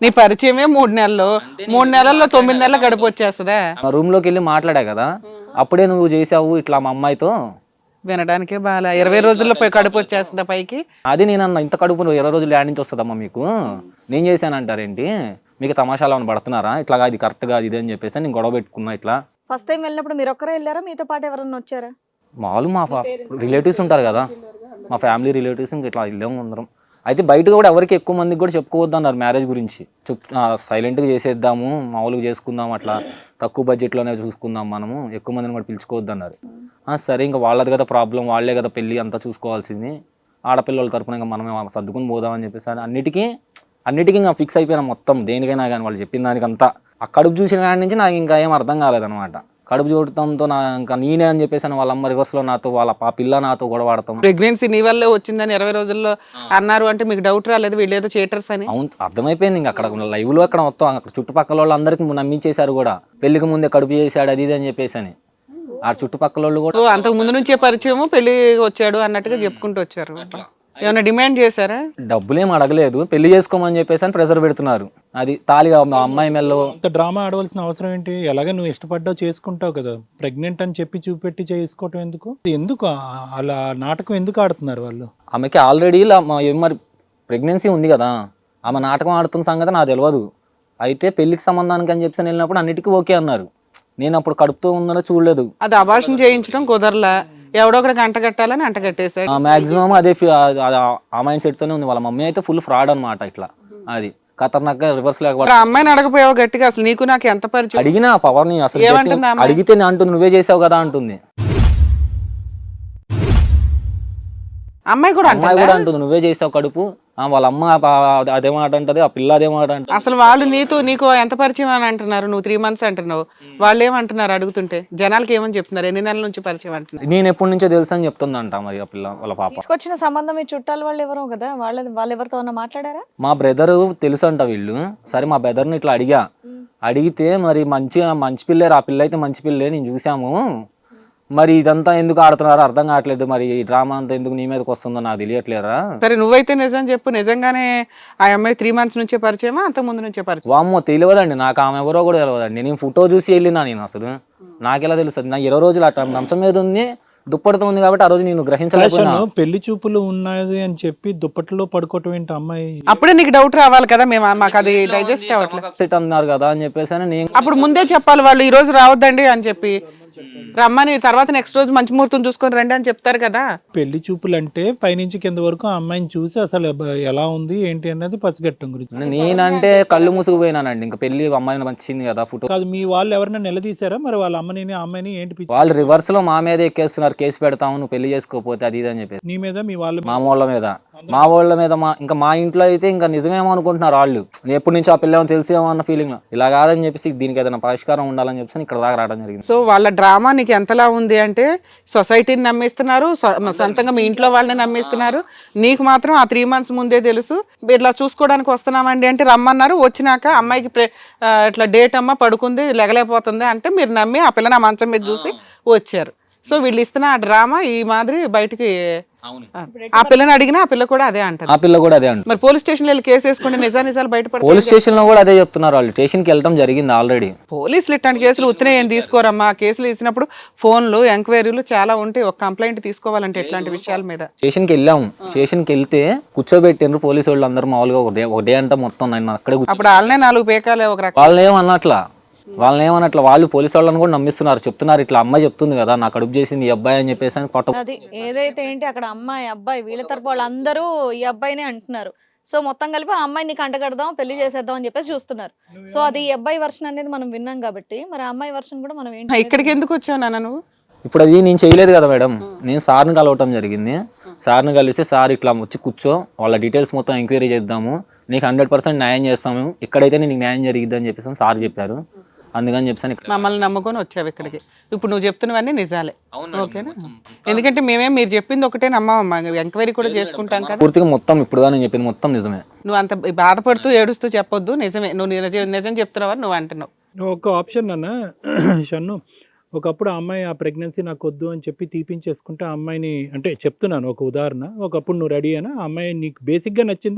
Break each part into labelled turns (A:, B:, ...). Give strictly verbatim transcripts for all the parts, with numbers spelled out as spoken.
A: నీ పరిచయమే మూడు నెలలు మూడు నెలల్లో తొమ్మిది నెలలు గడిపి వచ్చేస్తుందా?
B: రూమ్ లోకి వెళ్ళి మాట్లాడా కదా, అప్పుడే నువ్వు చేసావు ఇట్లా మా అమ్మాయితో.
A: వినడానికే బాగా ఇరవై రోజుల్లో పోయి కడుపు వచ్చేస్తుందా పైకి?
B: అది నేను ఇంత కడుపు ఇరవై రోజులు యాడ్ నుంచి వస్తుందమ్మా మీకు, నేను చేశానంటారేంటి, మీకు తమాషాలు ఏమైనా పడుతున్నారా, ఇట్లా ఇది కరెక్ట్ గా ఇది అని చెప్పేసి నేను గొడవ పెట్టుకున్నా. ఇట్లా
C: ఫస్ట్ టైం వెళ్ళినప్పుడు మీరు ఒక్కరే వెళ్ళారా, మీతో పాటు ఎవరన్నా వచ్చారా?
B: మామూలు మా రిలేటివ్స్ ఉంటారు కదా, మా ఫ్యామిలీ రిలేటివ్స్ ఇంకా ఇట్లా వెళ్ళాము అందరం. అయితే బయట కూడా ఎవరికి ఎక్కువ మందికి కూడా చెప్పుకోవద్దు అన్నారు మ్యారేజ్ గురించి. చెప్ సైలెంట్గా చేసేద్దాము, మామూలుగా చేసుకుందాం, అట్లా తక్కువ బడ్జెట్లోనే చూసుకుందాం, మనము ఎక్కువ మందిని కూడా పిలుచుకోవద్దు అన్నారు. సరే ఇంకా వాళ్ళది కదా ప్రాబ్లం, వాళ్ళే కదా పెళ్ళి అంతా చూసుకోవాల్సింది, ఆడపిల్లల తరపున ఇంకా మనమే సర్దుకుని పోదామని చెప్పేసి అన్నిటికీ అన్నిటికీ ఇంకా ఫిక్స్ అయిపోయినా మొత్తం దేనికైనా కానీ వాళ్ళు చెప్పిన దానికంతా. ఆ కడుపు చూసిన కాడి నుంచి నాకు ఇంకా ఏం అర్థం కాలేదనమాట. కడుపు చూడటంతో నా ఇంకా నేనే అని చెప్పేసి వాళ్ళ అమ్మ రివర్స్ లో నాతో వాళ్ళ ఆ పిల్ల నాతో గొడవ ఆడతాం.
A: ప్రెగ్నెన్సీ నీ వల్లే వచ్చిందని ఇరవై రోజుల్లో అన్నారు అంటే మీకు డౌట్ రాలేదు వీళ్ళు ఏదో చేటర్స్ అని?
B: అవును, అర్థమైపోయింది. ఇంకా అక్కడ లైవ్ లో అక్కడ మొత్తం అక్కడ చుట్టుపక్కల వాళ్ళు అందరికి నమ్మించేశారు కూడా, పెళ్లికి ముందే కడుపు చేశాడు అది ఇది అని చెప్పేసి అని. ఆ చుట్టుపక్కల వాళ్ళు కూడా
A: అంతకు ముందు నుంచే పరిచయము, పెళ్లి వచ్చాడు అన్నట్టుగా చెప్పుకుంటూ వచ్చారు. ఏమైనా డిమాండ్ చేశారా?
B: డబ్బులేం అడగలేదు, పెళ్లి చేసుకోమని చెప్పేసి అని ప్రెషర్ పెడుతున్నారు. అది తాలిగా అమ్మాయి మెల్లో
D: అంత డ్రామా ఆడవలసిన అవసరం ఏంటి? ఎలాగే నువ్వు ఇష్టపడ్డావు చేసుకుంటావు కదా, ప్రెగ్నెంట్ అని చెప్పి చూపెట్టి చేసుకోవటం ఎందుకు? ఎందుకు అలా నాటకం ఎందుకు ఆడుతున్నారు వాళ్ళు?
B: ఆమెకి ఆల్రెడీ మరి ప్రెగ్నెన్సీ ఉంది కదా, ఆమె నాటకం ఆడుతున్న సంగతి నాకు తెలియదు. అయితే పెళ్లికి సంబంధానికి అని చెప్పి వెళ్ళినప్పుడు అన్నిటికీ ఓకే అన్నారు. నేను అప్పుడు కడుపుతో ఉందనో చూడలేదు.
A: అది అబార్షన్ చేయించడం కుదరలా, ఎవడో ఒకటి అంట కట్టాలని అంట కట్టేసాడు.
B: మాక్సిమం అదే ఆ మైండ్ సెట్ తోనే ఉంది. వాళ్ళ మమ్మీ అయితే ఫుల్ ఫ్రాడ్ అనమాట. ఇట్లా అది ఖతర్నాక్ రివర్స్ లేకపోతే
A: అమ్మాయిని అడగపోయావు గట్టిగా, అసలు నీకు నాకు ఎంత పరిచయం?
B: అడిగినా పవర్ ని అసలు అడిగితే అంటుంది నువ్వే చేసావు కదా అంటుంది.
A: అమ్మాయి కూడా
B: అమ్మాయి కూడా అంటుంది నువ్వే చేసావు కడుపు. వాళ్ళ అమ్మ అదేమాట అంటది, ఆ పిల్ల అదేమాట అంటది.
A: అసలు వాళ్ళు నీతో నీకు ఎంత పరిచయం అని అంటున్నారు? నువ్వు త్రీ మంత్స్ అంటున్నావు, వాళ్ళు ఏమంటున్నారు అడుగుతుంటే? జనాలకి ఏమని చెప్తున్నారు? ఎన్ని నెలల నుంచి పరిచయం అంటున్నారు?
B: నేను ఎప్పటి నుంచో తెలుసు అని చెప్తుందంట మరి ఆ పిల్ల వాళ్ళ పాప.
C: తీసుకొచ్చిన సంబంధం మీ చుట్టాలు వాళ్ళు ఎవరో కదా, వాళ్ళ వాళ్ళు ఎవరితో మాట్లాడారా?
B: మా బ్రదర్ తెలుసు అంట వీళ్ళు. సరే మా బ్రదర్ని ఇట్లా అడిగా, అడిగితే మరి మంచి మంచి పిల్లేరు, ఆ పిల్ల అయితే మంచి పిల్లే, నేను చూసాము, మరి ఇదంతా ఎందుకు ఆడుతున్నారో అర్థం కావట్లేదు, మరి ఈ డ్రామా అంతా ఎందుకు నీ మీదకి వస్తుందో నాకు తెలియట్లేదా?
A: సరే నువ్వైతే నిజం చెప్పు, నిజంగానే ఆ అమ్మాయి త్రీ మంత్స్ నుంచే పరిచయమా అంత ముందు నుంచే పరిచయం?
B: వామ్మో తెలియదండి నాకు, ఆమె ఎవరో కూడా తెలియదండి. నేను ఫోటో చూసి వెళ్ళినా, నేను అసలు నాకెలా తెలుస్తుంది? నా ఇరవై రోజులు అట్లా మంచం మీద ఉంది, దుప్పటితో ఉంది కాబట్టి ఆ రోజు నేను గ్రహించలేకపోయినా.
D: పెళ్లి చూపులు ఉన్నాయి అని చెప్పి దుప్పట్లో పడుకోవటం ఏంటి అమ్మాయి?
A: అప్పుడే నీకు డౌట్ రావాలి కదా, మేము మాకు అది డైజెస్ట్ అవ్వట్లేదు
B: అన్నారు కదా అని చెప్పేసి నేను
A: అప్పుడు ముందే చెప్పాలి వాళ్ళు, ఈ రోజు రావద్దండి అని చెప్పి రమ్మని, తర్వాత నెక్స్ట్ రోజు మంచి ముహూర్తం చూసుకొని రండి అని చెప్తారు కదా.
D: పెళ్లి చూపులు అంటే పైనుంచి కింద వరకు ఆ అమ్మాయిని చూసి అసలు ఎలా ఉంది ఏంటి అన్నది పసిగట్టం గురించి.
B: నేనంటే కళ్ళు మూసుకుపోయినానండి, ఇంకా పెళ్లి అమ్మాయిని మంచింది కదా ఫోటో.
D: కాదు మీ వాళ్ళు ఎవరైనా నిలదీశారా మరి వాళ్ళ అమ్మని అమ్మాయిని? ఏంటి
B: వాళ్ళు రివర్స్ లో మా మీద ఎక్కేస్తున్నారు, కేసు పెడతాము నువ్వు పెళ్లి చేసుకోకపోతే అది ఇది అని చెప్పేసి.
D: నీ మీద మీ వాళ్ళు?
B: మా వాళ్ళ మీద మా వాళ్ళ మీద మా ఇంకా మా ఇంట్లో అయితే ఇంకా నిజమేమో అనుకుంటున్నారు వాళ్ళు. ఎప్పటి నుంచి ఆ పిల్లేమో తెలిసేమో అన్న ఫీలింగ్. ఇలా కాదని చెప్పేసి దీనికి ఏదైనా పరిష్కారం ఉండాలని చెప్పేసి ఇక్కడ దాకా రావడం జరిగింది.
A: సో వాళ్ళ డ్రామా నీకు ఎంతలా ఉంది అంటే, సొసైటీని నమ్మిస్తున్నారు, సొంతంగా మీ ఇంట్లో వాళ్ళని నమ్మిస్తున్నారు, నీకు మాత్రం ఆ త్రీ మంత్స్ ముందే తెలుసు. ఇట్లా చూసుకోవడానికి వస్తున్నామండి అంటే రమ్మన్నారు, వచ్చినాక అమ్మాయికి ఇట్లా డేట్ అమ్మ పడుకుంది లేగలేకపోతుంది అంటే మీరు నమ్మి ఆ పిల్లని ఆ మంచం మీద చూసి వచ్చారు. సో వీళ్ళు ఇస్తున్న ఆ డ్రామా ఈ మాదిరి బయటికి ఆ పిల్లని అడిగినా ఆ పిల్ల కూడా అదే అంటారు.
B: ఆ పిల్ల కూడా అదే అంటారు.
A: మరి పోలీస్ స్టేషన్ వెళ్ళి కేసు వేసుకుంటే నిజా నిజాలు బయటపడతాయి.
B: పోలీస్ స్టేషన్ లో కూడా అదే చెప్తున్నారు వాళ్ళు. స్టేషన్ కి వెళ్ళడం జరిగింది ఆల్రెడీ.
A: పోలీసులు ఇట్లాంటి కేసులు ఉత్తనే ఏం తీసుకోరమ్మా. కేసులు వేసినప్పుడు ఫోన్లు ఎంక్వైరీలు చాలా ఉంటాయి. ఒక కంప్లైంట్ తీసుకోవాలంటే ఇట్లాంటి విషయాల మీద
B: స్టేషన్ కి వెళ్ళాము. స్టేషన్ కి వెళ్తే కూర్చోబెట్టిండ్రు పోలీసు వాళ్ళు అందరూ మామూలుగా ఒకటే ఒకటే అంతా మొత్తం నన్ను అక్కడే. అప్పుడు
A: వాళ్ళనే నాలుగు పేకాలే ఒక రకం.
B: వాళ్ళని ఏమన్నట్లా వాళ్ళని ఏమన్నట్ల వాళ్ళు పోలీసు వాళ్ళని కూడా నమ్మిస్తున్నారు. చెప్తున్నారు ఇట్లా అమ్మాయి చెప్తుంది కదా నాకు కడుపు చేసింది ఈ అబ్బాయి అని చెప్పేసి అని పట్టు.
C: అది ఏదైతే ఏంటి అక్కడ అమ్మాయి అబ్బాయి వీళ్ళ తరపు వాళ్ళందరూ ఈ అబ్బాయినే అంటున్నారు. సో మొత్తం కలిపి ఆ అమ్మాయిని కంటగడదాం పెళ్లి చేసేద్దాం అని చెప్పేసి చూస్తున్నారు. సో అది ఈ అబ్బాయి వర్షన్ అనేది మనం విన్నాం కాబట్టి మరి ఆ అమ్మాయి వర్షన్ కూడా మనం ఏంటి
A: ఇక్కడికి ఎందుకు వచ్చావు నాన్న నువ్వు?
B: ఇప్పుడు అది నేను చేయలేదు కదా మేడం, నేను సార్ని కలవటం జరిగింది. సార్ని కలిసి సార్ ఇట్లా వచ్చి కూర్చో వాళ్ళ డీటెయిల్స్ మొత్తం ఎంక్వైరీ చేద్దాము, నీకు హండ్రెడ్ పర్సెంట్ న్యాయం చేస్తాము, ఇక్కడైతే నీకు న్యాయం జరిగిద్ది అని చెప్పేసి సార్ చెప్పారు. అందుకని చెప్పాను
A: మమ్మల్ని నమ్ముకొని వచ్చావు ఇక్కడికి. ఇప్పుడు నువ్వు చెప్తున్నవన్నీ నిజాలే ఓకేనా? ఎందుకంటే మేమే మీరు చెప్పింది ఒకటే నమ్మమ్మా, ఎంక్వైరీ కూడా చేసుకుంటాం కదా.
B: పూర్తిగా మొత్తం ఇప్పుడు నేను చెప్పింది మొత్తం నిజమే.
A: నువ్వు అంత బాధపడుతూ ఏడుస్తూ చెప్పొద్దు, నిజమే నువ్వు నిజం నిజం చెప్తున్నావని నువ్వు అంటున్నావు.
D: ఒక ఆప్షన్ అన్న షన్ను, ఒకప్పుడు ఆ అమ్మాయి ఆ ప్రెగ్నెన్సీ నాకు వద్దు అని చెప్పి తీపించేసుకుంటే ఆ అమ్మాయిని అంటే చెప్తున్నాను ఒక ఉదాహరణ, ఒకప్పుడు నువ్వు రెడీ అయినా ఆ అమ్మాయి నీకు బేసిక్గా నచ్చిందా?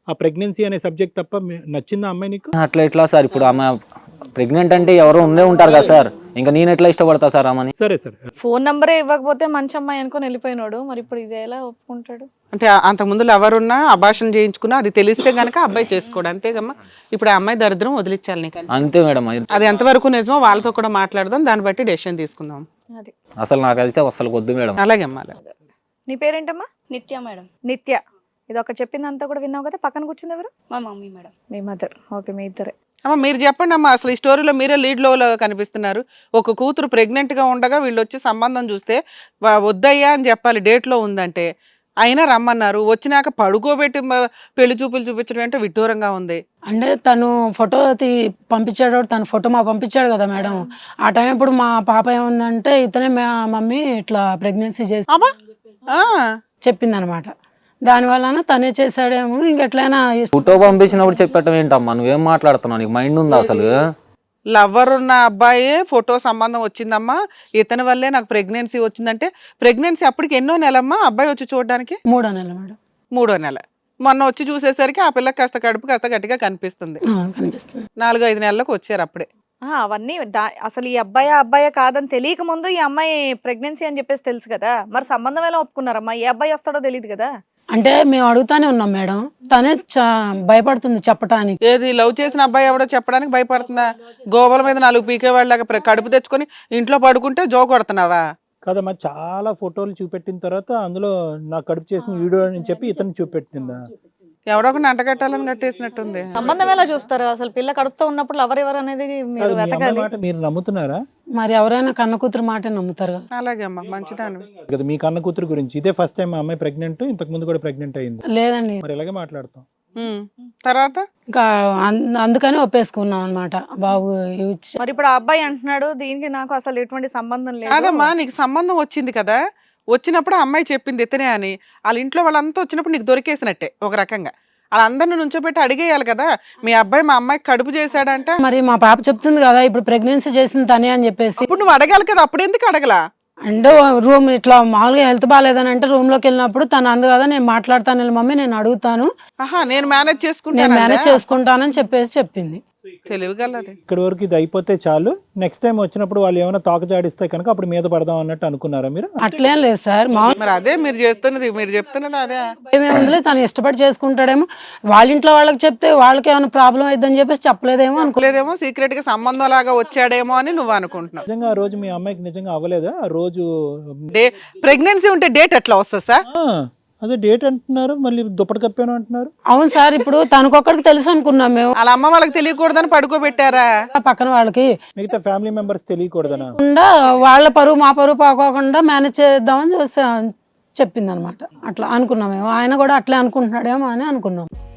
D: ఆ ప్రెగ్నెన్సీ అనే సబ్జెక్ట్ తప్ప మీ- నచ్చిందా అమ్మాయి నీకు?
B: అట్లా ఎట్లా సార్? ఇప్పుడు ఆమె ప్రెగ్నెంట్ అంటే ఎవరో ఉండే ఉంటారు కదా సార్, ఇంకా నేను ఎట్లా ఇష్టపడతా సార్ ఆమెని?
D: సరే సరే
C: ఫోన్ నంబరే ఇవ్వకపోతే మంచి అమ్మాయి అనుకొని వెళ్ళిపోయినాడు, మరి ఇప్పుడు ఇది ఎలా ఒప్పుకుంటాడు?
A: అంటే అంతకు ముందు ఎవరున్నా అభాషణ చేయించుకున్నా అది తెలిస్తే గనక అబ్బాయి చేసుకోడు, అంతేగమ్మా. ఇప్పుడు ఆ అమ్మాయి దరిద్రం వదిలించాలి నీకు.
B: అంతే మేడం.
A: అది ఎంతవరకు నిజమో వాళ్ళతో కూడా మాట్లాడదాం, దాన్ని బట్టి డెసిషన్ తీసుకుందాం.
C: అది
B: అసలు నాకైతే అసలు వద్దు మేడం.
A: అలాగే అమ్మా. అలాగే.
C: నీ పేరేంటమ్మా?
E: నిత్య మేడం.
C: నిత్య. ఇది ఒకటి చెప్పిందంతా కూడా విన్నావు కదా, పక్కన కూర్చుంది ఎవరు?
E: మా మమ్మీ మేడం.
C: మీ మదర్. ఓకే, మీ ఇద్దరే.
A: అమ్మ మీరు చెప్పండి అమ్మా, అసలు ఈ స్టోరీలో మీరే లీడ్ లో కనిపిస్తున్నారు. ఒక కూతురు ప్రెగ్నెంట్ గా ఉండగా వీళ్ళు వచ్చి సంబంధం చూస్తే వా- వద్దయ్యా అని చెప్పాలి, డేట్ లో ఉందంటే అయినా రమ్మన్నారు. వచ్చినాక పడుకోబెట్టి మ- పెళ్లి చూపులు చూపించడం అంటే విడ్డూరంగా ఉంది.
F: అంటే తను ఫోటో తీ పంపించాడు, తన ఫోటో మాకు పంపించాడు కదా మేడం. ఆ టైం ఇప్పుడు మా పాప ఏముందంటే ఇతనే మా మమ్మీ ఇట్లా ప్రెగ్నెన్సీ చేసి
A: అమ్మా ఆ,
F: చెప్పింది అనమాట. దానివల్ల తనే చేశాడేమో, ఇంకెట్లయినా
B: ఫోటో పంపించినప్పుడు చెప్పటం ఏంటమ్మా? నువ్వేం మాట్లాడుతున్నావు? నీకు మైండ్ ఉందా అసలు?
A: లవ్వర్ ఉన్న అబ్బాయి ఫోటో సంబంధం వచ్చిందమ్మా, ఇతని వల్లే నాకు ప్రెగ్నెన్సీ వచ్చిందంటే ప్రెగ్నెన్సీ అప్పటికి ఎన్నో నెలమ్మా అబ్బాయి వచ్చి చూడడానికి?
F: మూడో నెల మేడం.
A: మూడో నెల. మొన్న వచ్చి చూసేసరికి ఆ పిల్లకి కాస్త కడుపు కాస్త గట్టిగా కనిపిస్తుంది.
F: ఆ, కనిపిస్తుంది.
A: నాలుగు ఐదు నెలలకు వచ్చారు అప్పుడే.
C: ఆ, అవన్నీ దా- అసలు ఈ అబ్బాయి అబ్బాయి కాదని తెలియక ముందు ఈ అమ్మాయి ప్రెగ్నెన్సీ అని చెప్పేసి తెలుసు కదా, మరి సంబంధం ఎలా ఒప్పుకున్నారమ్మా? ఏ అబ్బాయి వస్తాడో తెలియదు కదా.
F: అంటే మేము అడుగుతానే ఉన్నాం మేడం, తనే చ- భయపడుతుంది చెప్పటానికి.
A: ఏది లవ్ చేసిన అబ్బాయి ఎవడో చెప్పడానికి భయపడుతుందా? గోవల మీద నాలుగు పీకే వాళ్ళగా కడుపు తెచ్చుకొని ఇంట్లో పడుకుంటే జో కొడుతున్నావా?
D: కదమ్మా, చాలా ఫోటోలు చూపెట్టిన తర్వాత అందులో నా కడుపు చేసిన వీడియో అని చెప్పి ఇతను చూపెట్టిందా?
A: ఎవడో ఒకటి అంటగట్టాలని కట్టేసినట్టుంది.
C: సంబంధం ఎలా చూస్తారు? అసలు పిల్ల కడుపుతో ఉన్నప్పుడు ఎవరెవరు అనేది మీరు
D: కాదు, మీ అమ్మాయి
C: వెతకాలి.
D: మాట మీరు నమ్ముతున్నారా?
F: మరి ఎవరైనా కన్న కూతురు మాట నమ్ముతారు కదా.
A: అలాగే అమ్మా, మంచిదాను.
D: కదా మీ కన్న కూతురు గురించి ఇదే ఫస్ట్ టైం మా అమ్మాయి ప్రెగ్నెంట్, ఇంతకు ముందు కూడా ప్రెగ్నెంట్ అయింది.
F: లేదండి,
D: మరి ఇలాగే మాట్లాడతాం.
A: ఉమ్. తర్వాత
F: ఇంకా అం- అందుకని ఒప్పేసుకున్నాం అనమాట. బాబు ఇచ్చి
C: మరి ఇప్పుడు ఆ అబ్బాయి అంటున్నాడు దీనికి నాకు అసలు ఎటువంటి సంబంధం లేదు.
A: కాదమ్మా, నీకు సంబంధం వచ్చింది కదా, వచ్చినప్పుడు ఆ అమ్మాయి చెప్పింది ఇతనే అని. వాళ్ళ ఇంట్లో వాళ్ళంతా వచ్చినప్పుడు నీకు దొరికేసినట్టే ఒక రకంగా. వాళ్ళందరిని నుంచోబెట్టి అడిగేయాలి కదా, మీ అబ్బాయి మా అమ్మాయికి కడుపు చేశాడంట.
F: మరి మా పాప చెప్తుంది కదా ఇప్పుడు ప్రెగ్నెన్సీ చేసింది తనే అని చెప్పేసి.
A: ఇప్పుడు నువ్వు అడగాలి కదా, అప్పుడు ఎందుకు అడగలా?
F: అంటే రూమ్ ఇట్లా మామూలుగా హెల్త్ బాగాలేదని అంటే రూమ్ లోకి వెళ్ళినప్పుడు తను అందు కదా నేను మాట్లాడతాను మమ్మీ, నేను అడుగుతాను,
A: ఆహా, నేను మేనేజ్
F: నేను
A: చేసుకుంటాను.
F: మేనేజ్ చేసుకుంటానని చెప్పేసి చెప్పింది.
A: తెలివిగలది.
D: ఇక్కడ వరకు ఇది అయిపోతే చాలు, నెక్స్ట్ టైం వచ్చినప్పుడు వాళ్ళు ఏమైనా తాక జాడిస్తే కనుక అప్పుడు మీద పడదాం అన్నట్టు అనుకున్నారా మీరు?
F: అట్లేం లేదు సార్, మామూలు
A: మరి అదే మీరు చేస్తున్నది, మీరు చెప్తున్నది అదే.
F: ఏముందిలే, తను ఇష్టపడి చేసుకుంటాడేమో, వాళ్ళ ఇంట్లో వాళ్ళకి చెప్తే వాళ్ళకి ఏమైనా ప్రాబ్లం అయిద్దని చెప్పేసి చెప్పలేదేమో అనుకో.
A: లేదేమో సీక్రెట్ గా సంబంధం లాగా వచ్చాడేమో అని నువ్వు అనుకుంటున్నావు.
D: నిజంగా ఆ రోజు మీ అమ్మాయికి నిజంగా అవ్వలేదా? ఆ రోజు
A: డే ప్రెగ్నెన్సీ ఉంటే డేట్ ఎట్లా వస్తుంది సార్?
D: ఆ, అదే డేట్ అంటున్నారు, మళ్ళీ దుప్పటి కప్పాను అంటున్నారు.
F: అవును సార్, ఇప్పుడు తనకొక్కడికి తెలుసు అనుకున్నాం మేము,
A: వాళ్ళ అమ్మ వాళ్ళకి తెలియకూడదని పడుకోబెట్టారా?
F: పక్కన వాళ్ళకి
D: మిగతా ఫ్యామిలీ మెంబర్స్ తెలియకూడదనా?
F: కాకుండా వాళ్ళ పరువు మా పరువు పోకోకుండా మేనేజ్ చేద్దామని చూసా చెప్పింది అనమాట. అట్లా అనుకున్నాం మేము, ఆయన కూడా అట్లే అనుకుంటున్నాడేమో అని అనుకున్నాం.